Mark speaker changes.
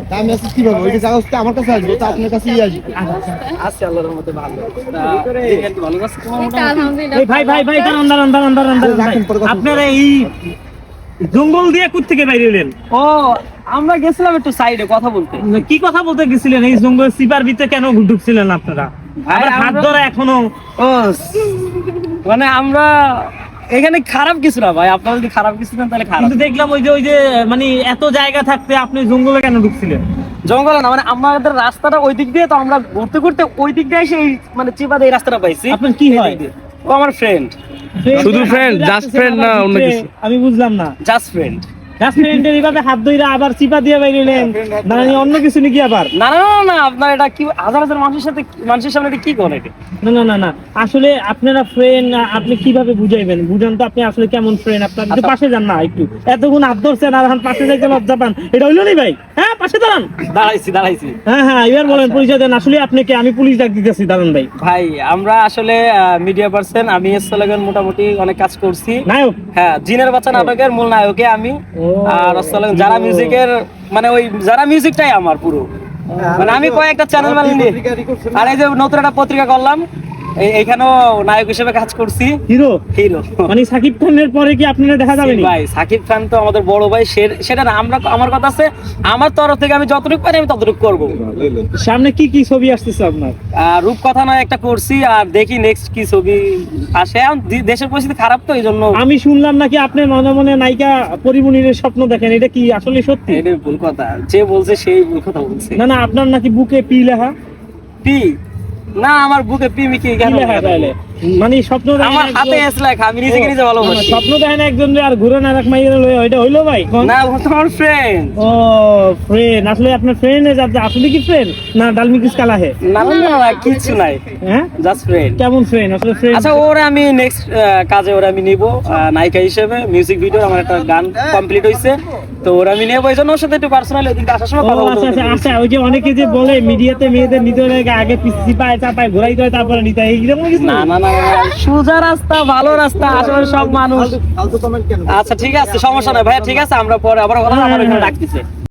Speaker 1: আমি আছি কিভাবে ওই জায়গা হচ্ছে আমার কাছে আসবে তো আপনার কাছেই আসবে।
Speaker 2: আছে আল্লাহর রহমতে ভালো। দেখেন কি ভালো আছে তোমার মোটামুটি?
Speaker 3: আলহামদুলিল্লাহ।
Speaker 4: এই ভাই ভাই ভাই দাঁড়ান। আপনারা এই জঙ্গল দিয়ে কোথা থেকে বাইরে এলেন?
Speaker 2: ও আমরা গেছিলাম একটু সাইডে কথা বলতে।
Speaker 4: কি কথা বলতে গেছিলেন? এই জঙ্গল সিপার ভিতরে কেন ঢুকছিলেন আপনারা?
Speaker 2: ভাই,
Speaker 4: আবার হাত
Speaker 2: আমরা-
Speaker 4: ধরা এখনো
Speaker 2: ও মানে আমরা এখানে খারাপ কিছু না ভাই, আপনারা যদি খারাপ কিছু দেন তাহলে খারাপ।
Speaker 4: কিন্তু দেখলাম ওই যে মানে এত জায়গা থাকতে আপনি জঙ্গলে কেন ঢুকছিলেন?
Speaker 2: জঙ্গল না, মানে আমাদের রাস্তাটা ওই দিক দিয়ে, তো আমরা ঘুরতে ঘুরতে ওই দিক দিয়ে এসে এই মানে চিপাতে এই রাস্তাটা পাইছি।
Speaker 4: আপনার কি
Speaker 2: এই
Speaker 4: হয়?
Speaker 2: দিক দিয়ে। ও আমার ফ্রেন্ড,
Speaker 5: শুধু friend, just friend না অন্য কিছু?
Speaker 4: আমি বুঝলাম না।
Speaker 2: Just friend.
Speaker 4: জাস্ট ফ্রেন্ডের এইভাবে হাত ধইরা আবার চিপা দিয়ে বাইরে এলেন, মানে অন্য কিছু নাকি আবার?
Speaker 2: না না না না, আপনার এটা কি হাজার হাজার মানুষের সামনে এটা কি করে এটা?
Speaker 4: না আসলে আপনারা ফ্রেন্ড, আপনি কিভাবে বুঝাইবেন? বুঝান তো আপনি আসলে কেমন ফ্রেন্ড। আপনার একটু
Speaker 2: আচ্ছা।
Speaker 4: পাশে যান না, একটু এতক্ষণ হাত ধরছেন আর এখন পাশে যাইতে লজ্জা পান, এটা হইলো নি ভাই? হ্যাঁ, পাশে দাঁড়ান।
Speaker 2: দাঁড়াইছি।
Speaker 4: হ্যাঁ এবার বলেন, পরিচয় দেন। আসলে আপনাকে আমি পুলিশ ডাক দিতেছি, দাঁড়ান ভাই।
Speaker 2: ভাই আমরা আসলে মিডিয়া পার্সন, আমি এসলাগান মোটামুটি অনেক কাজ করছি।
Speaker 4: নায়ক?
Speaker 2: হ্যাঁ, জিনের বাচ্চা নাটকের মূল নায়কে আমি।
Speaker 4: ও।
Speaker 2: আর আসলে যারা মিউজিকের মানে ওই যারা মিউজিকটাই আমার পুরো, মানে আমি কয়েকটা চ্যানেল বানিয়ে আর এই যে নতুন একটা পত্রিকা করলাম, এইখানেও নায়ক হিসেবে কাজ করছি।
Speaker 4: হিরো?
Speaker 2: হিরো
Speaker 4: মানে সাকিব খানের পরে কি আপনারা দেখা যাবে নি?
Speaker 2: ভাই সাকিব খান তো আমাদের বড় ভাই, সেটা না আমরা, আমার কথা আছে আমার তরফ থেকে আমি যতটুকু পারি আমি ততটুকু করবো।
Speaker 4: সামনে কি কি ছবি আসতেছে আপনার?
Speaker 2: রূপকথা নয় একটা করছি, আর দেখি নেক্সট কি ছবি আসে। এখন দেশের পরিস্থিতি খারাপ তো এই জন্য।
Speaker 4: আমি শুনলাম নাকি আপনি মনে মনে নায়িকা পরিমণির স্বপ্ন দেখেন, এটা কি আসলে সত্যি?
Speaker 2: এটা ভুল কথা, যে বলছে সেই ভুল কথা বলছে।
Speaker 4: না আপনার নাকি বুকে পি লেখা?
Speaker 2: পি না, আমার বুকে পি মিকি
Speaker 4: কি
Speaker 2: কেন
Speaker 4: লেখা তাহলে? মানে স্বপ্ন দেখেন
Speaker 2: আমার হাতে
Speaker 4: একজন-
Speaker 2: এস লেখা, আমি নিজেকে নিজে ভালোবাসি।
Speaker 4: স্বপ্ন দেখেন একজন আর ঘুরে না রাখ মাইরা লই, ওইটা হইলো ভাই? কোন?
Speaker 2: না, ও তো আমার ফ্রেন্ড।
Speaker 4: ও ফ্রেন্ড, আসলে আপনার ফ্রেন্ড আসলে কি ফ্রেন্ড না ডালমি কিস কালা হে?
Speaker 2: না না না না, কিছু নাই,
Speaker 4: হ্যাঁ,
Speaker 2: জাস্ট ফ্রেন্ড।
Speaker 4: কেমন ফ্রেন্ড আসলে ফ্রেন্ড?
Speaker 2: আচ্ছা, ওরে আমি নেক্সট কাজে ওরে আমি নিব নায়িকা হিসেবে। মিউজিক ভিডিও আমার একটা গান কমপ্লিট হইছে, তো ওরে আমি নেব। এই জন্য ওর সাথে একটু পার্সোনালি ওদিকে আসার সময় কথা বলতে
Speaker 4: আচ্ছা ওই যে অনেকে যে বলে মিডিয়াতে মেয়েদের নিতে হলে আগে পিছি পায় চাপায় ঘোরাইতে হয় তারপরে নিতে হয়, এইরকম কিছু
Speaker 2: না না না না, সোজা রাস্তা, ভালো রাস্তা, আসলে সব মানুষ।
Speaker 1: ফালতু কমেন্ট কেন?
Speaker 2: আচ্ছা ঠিক আছে, সমস্যা নাই ভাইয়া, ঠিক আছে, আমরা পরে আবার কথা ডাকতেছে।